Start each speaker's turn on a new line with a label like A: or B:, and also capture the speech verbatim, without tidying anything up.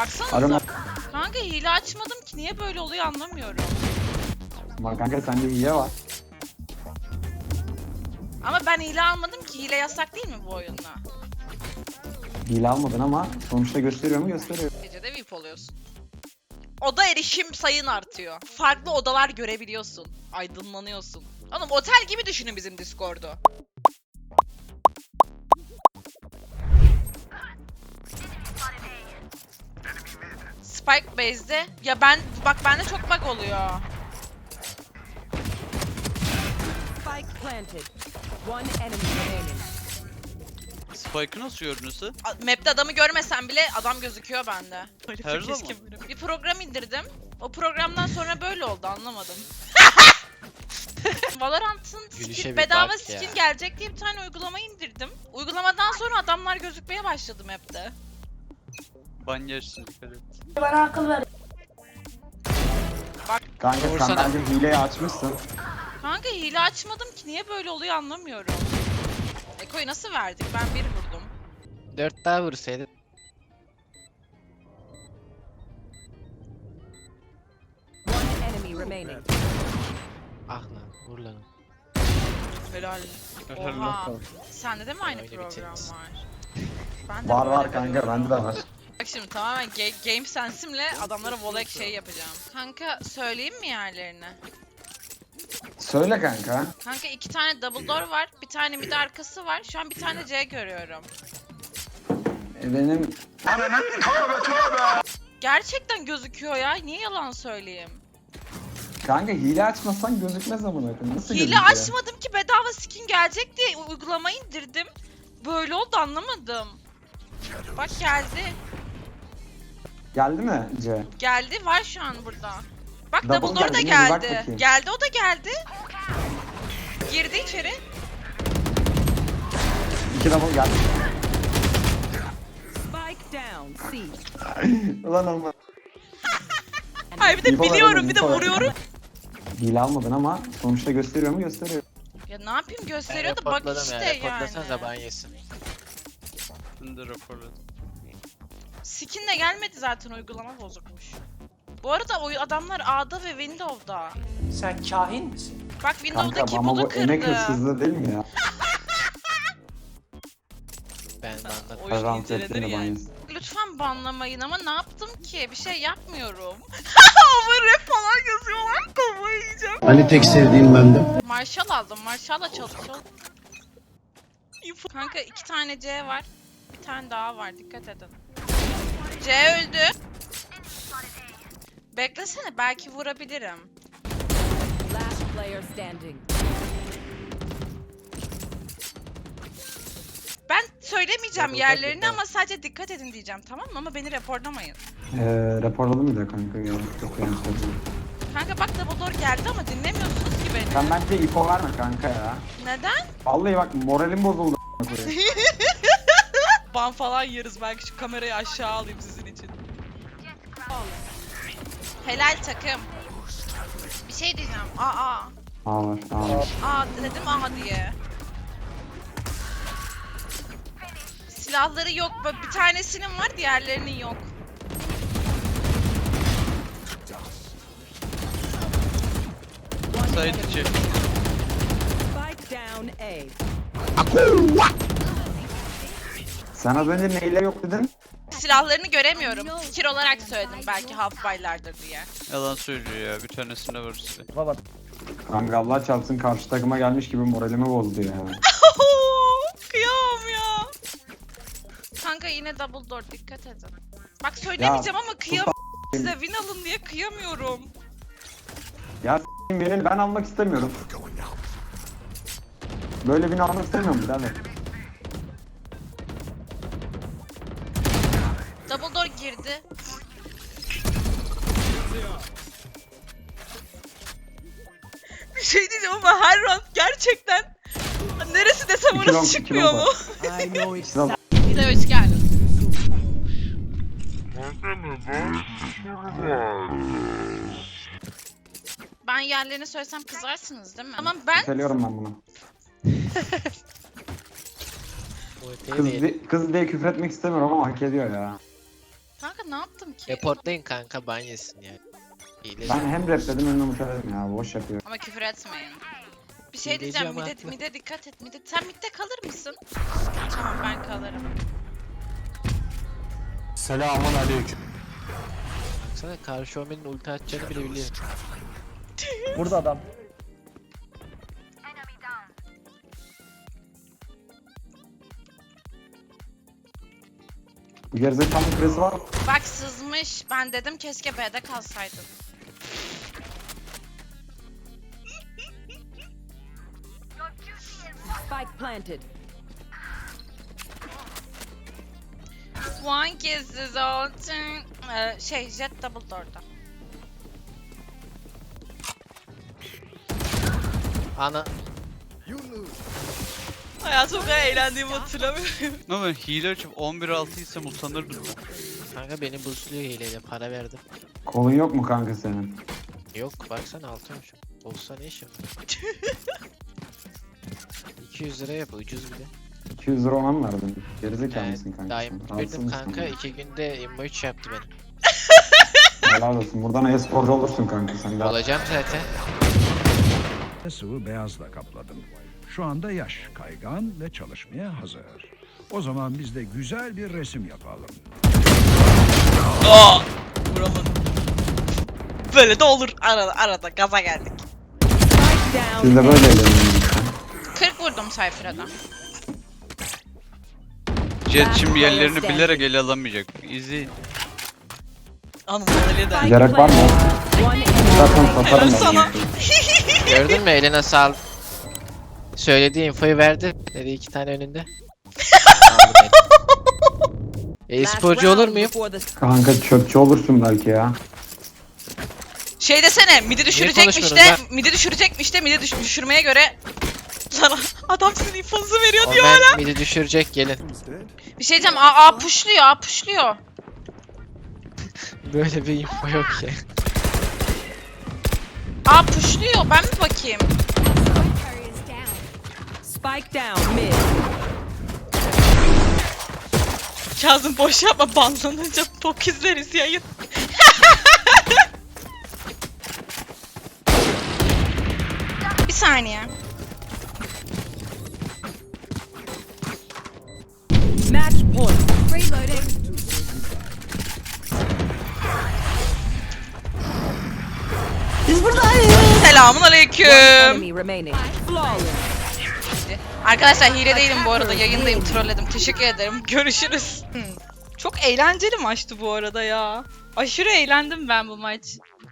A: Baksanıza.
B: Kanka hile açmadım ki, niye böyle oluyor anlamıyorum.
A: Ama kanka sende hile var.
B: Ama ben hile almadım ki, hile yasak değil mi bu oyunda?
A: Hile almadın ama sonuçta gösteriyor mu? Gösteriyor.
B: Gecede V I P oluyorsun. Oda erişim sayın artıyor. Farklı odalar görebiliyorsun. Aydınlanıyorsun. Oğlum otel gibi düşünün bizim Discord'u. Spike base'de. Ya ben bak bende çok bug oluyor.
C: Spike planted. One enemy remaining.
D: Spike'ı nasıl gördünüz?
B: A- Map'te adamı görmesem bile adam gözüküyor bende.
D: Her zaman.
B: Bir program indirdim. O programdan sonra böyle oldu, anlamadım. Valorant'ın
E: Gülüşe
B: skin,
E: bir
B: bedava
E: bak
B: skin
E: ya.
B: gelecek diye bir tane uygulama indirdim. Uygulamadan sonra adamlar gözükmeye başladı map'te.
D: Ban yersin, dikkat et.
A: Kanka sen
E: Vursana.
A: bence hileyi açmışsın.
B: Kanka hile açmadım ki, niye böyle oluyor anlamıyorum. Eko'yu nasıl verdik? Ben bir vurdum.
E: Dört daha vursaydın.
C: One enemy remaining.
E: Ah lan vur lan.
B: Helal.
D: Helal
B: Oha. Sende de mi aynı
E: Öyle
B: program
E: biteriz.
B: var? Ben de
A: Var
B: böyle
A: var kanka bende de var.
B: Bak şimdi tamamen ga- game sensimle adamlara volek şey yapacağım. Kanka söyleyeyim mi yerlerini?
A: Söyle kanka.
B: Kanka iki tane double door var, bir tane mid arkası var. Şu an bir tane C görüyorum.
A: E, benim
B: Gerçekten gözüküyor ya. Niye yalan söyleyeyim?
A: kanka hile açmasan gözükmez amına koyayım. Nasıl
B: Hile
A: gözüküyor?
B: açmadım ki, bedava skin gelecek diye uygulamayı indirdim. Böyle oldu, anlamadım. Bak geldi.
A: Geldi mi C?
B: Geldi, var şu an burada. Bak
A: Double
B: double door da
A: geldi mi? Bir bak
B: geldi.
A: bakayım.
B: Geldi, o da geldi. Girdi içeri.
A: İki double geldi.
C: Spike down. C.
A: Ulan olma.
B: Hayır bir de
A: İnfo ver
B: biliyorum,
A: oğlum,
B: bir de
A: info ver.
B: vuruyorum.
A: Hile almadın ama sonuçta gösteriyor mu? Gösteriyor.
B: Ya ne yapayım, gösteriyor da bak
E: Reportladım
B: işte
E: ya.
B: yani.
E: Reportlasanıza ban yesin.
D: Ben de raporladım.
B: Skin de gelmedi zaten, uygulama bozukmuş. Bu arada o adamlar A'da ve Windows'da.
F: Sen kahin misin?
B: Bak
A: Kanka
B: Windows'daki
A: ama
B: bunu
A: bu emek
B: kırdı.
A: hırsızlığı değil mi ya?
E: Ben banladım.
B: Oyun
A: Rant
B: incelenir
A: ettiğini
B: yani.
A: banyosun.
B: Lütfen banlamayın ama ne yaptım ki? Bir şey yapmıyorum. Ama rap falan yazıyorlar, kafayı yiyeceğim.
G: Hani tek sevdiğim bendim.
B: Marshall aldım. Marshall'la çalışıyor. Kanka iki tane C var. Bir tane daha var. Dikkat edin. C öldü. Beklesene, belki vurabilirim.
C: Last player standing.
B: Ben söylemeyeceğim
E: Double
B: yerlerini
E: tap,
B: ama sadece dikkat edin diyeceğim, tamam mı? Ama beni raporlamayın.
A: Ee, raporladım bir de kanka ya. Çok yanlış oldu.
B: Kanka bak double door geldi ama dinlemiyorsunuz ki beni.
A: Sen bence info verme kanka ya.
B: Neden?
A: Vallahi bak moralim bozuldu. a**ına koyayım.
B: Ban falan yeriz, belki şu kamerayı aşağı alayım sizin için. Helal takım. Bir şey diyeceğim. Aa aa.
A: Aa var, aa var.
B: Aa dedim aha diye. Silahları yok. Bak, bir tanesinin var, diğerlerinin yok.
D: Side içi.
C: Spike down A.
A: Sen az önce neyle yok dedin?
B: Silahlarını göremiyorum. Fikir olarak söyledim, belki half baylardır diye.
D: Yalan söylüyor ya, bir tanesinde var size.
A: Kanka Allah çarpsın karşı takıma gelmiş gibi moralimi bozdu ya.
B: Kıyamam ya. Kanka yine double door, dikkat edin. Bak söylemeyeceğim ama kıyamam. Size win alın diye kıyamıyorum.
A: Ya s**eyim beni ben almak istemiyorum. Böyle birini almak istemiyorum birader.
B: Double door girdi. Bir şey diyeceğim ama her round gerçekten neresi desem
A: İki long,
B: orası
A: iki
B: çıkmıyor
A: long
B: mu?
A: var.
C: I know it's
A: Sıra-
B: Bir de hoş geldin. Ben yerlerini söylesem kızarsınız değil mi? Ama ben
A: Söylüyorum ben bunu.
E: Bu öteye
A: Kız,
E: değil.
A: di- kız diye küfür etmek istemiyorum ama hak ediyor ya.
B: kanka Kanka ne yaptım ki?
E: Reportlayın kanka ban yesin ya. İyileşin.
A: Ben hem rapledim hem de muteledim ya. Boş yapıyor.
B: Ama küfür etmeyin. Bir şey
E: Hileci
B: diyeceğim,
E: ama
B: mide,
E: haklı.
B: mide dikkat et, mide. Sen midde kalır mısın? Tamam, ben kalırım.
H: Selamun aleyküm.
E: Baksana karşı Omen'in ulti atacağını bile biliyor.
F: Burada adam.
A: Bu gerizekalı küresi var.
B: Bak sızmış. Ben dedim keşke B'de kalsaydın.
C: Spike planted.
B: One kiss is all time. Ee, şey, Jet double door'da.
E: Ana
B: Hayatımda çok eğlendiğimi hatırlamıyorum.
D: Ama ben hile açıp on bir altı isem utanırdım.
E: kanka beni boostluyor hileyle para verdim.
A: Kolun yok mu kanka senin?
E: Yok baksana altıymış. Olsa ne işim var? iki yüz lira yap ucuz bir de.
A: iki yüz lira ona mı verdin? Gerizekalı
E: Yani
A: mısın kanka?
E: Diamond
A: sen? Rahatsız
E: verdim
A: mısın
E: kanka
A: ya?
E: iki günde immo üç yaptı beni.
A: Helal olsun. Buradan e-sporcu olursun kanka sen. Daha...
E: Olacağım zaten.
I: Sıvı beyazla kapladım. Şu anda yaş kaygan ve çalışmaya hazır. O zaman biz de güzel bir resim yapalım.
B: Aa! Vuramadım. Böyle de olur. Arada arada gaza geldik.
C: Spike down
A: Siz de
C: A.
A: böyle eğleniyorsunuz.
B: kırk vurdum Cypher'a.
D: Jet şimdi yerlerini bilerek ele alamayacak. İzleyin.
C: Spike
A: Gerek var mı?
C: planted. One enemy
A: Zaten
C: remaining.
A: satarım
B: Helal sana.
A: ben.
E: Gördün mü eline sağ. Söylediği infoyu verdi. Dedi iki tane önünde. Aldım elini.
C: Last
E: E-sporcu
C: round
E: olur muyum?
C: before the
A: Kanka çöpçü olursun belki ya.
B: Şey desene, midi düşürecekmiş de,
E: konuşmuyoruz
B: midi düşürecekmiş de, midi düş düşürmeye göre sana adam sizin infonuzu veriyor diyor hala.
E: Omen midi düşürecek gelin.
B: Bir şey diyeceğim, A, A pushluyor, A pushluyor.
E: Böyle bir info yok ya.
B: A pushluyor, ben mi bakayım?
C: spike down mid.
B: Kazım boş yapma, banlanınca bok izleriz yayın. Bir saniye.
C: Match point.
B: Selamun
C: One
B: aleyküm.
C: enemy remaining. Flawless.
B: Arkadaşlar hile değilim bu arada, yayındayım, trolledim. Teşekkür ederim. Görüşürüz. Hmm. Çok eğlenceli maçtı bu arada ya. Aşırı eğlendim ben bu maç.